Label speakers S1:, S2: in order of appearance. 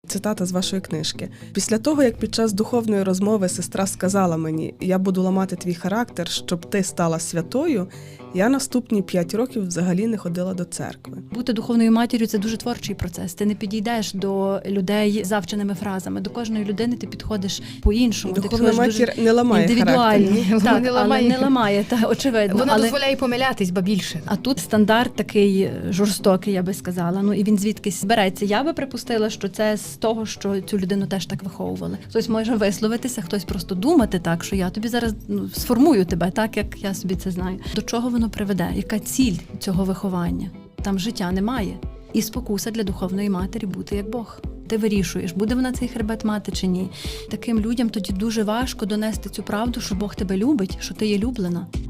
S1: Цитата з вашої книжки. «Після того, як під час духовної розмови сестра сказала мені, я буду ламати твій характер, щоб ти стала святою, я наступні 5 років взагалі не ходила до церкви».
S2: Бути духовною матір'ю – це дуже творчий процес. Ти не підійдеш до людей завченими фразами. До кожної людини ти підходиш по-іншому.
S1: Духовна матір не ламає
S2: індивідуальні.
S1: характер.
S2: Так,
S3: Не
S2: але
S3: ламає.
S2: не ламає, та, очевидно.
S3: Вона
S2: але...
S3: дозволяє помилятись, ба більше.
S2: А тут стандарт такий жорстокий, я би сказала. Ну і він звідкись береться. Я би припустила, що це з того, що цю людину теж так виховували. Хтось може висловитися, хтось просто думати так, що я тобі зараз сформую тебе так, як я собі це знаю. До чого воно приведе? Яка ціль цього виховання? Там життя немає. І спокуса для духовної матері бути як Бог. Ти вирішуєш, буде вона цей хребет мати чи ні. Таким людям тоді дуже важко донести цю правду, що Бог тебе любить, що ти є люблена.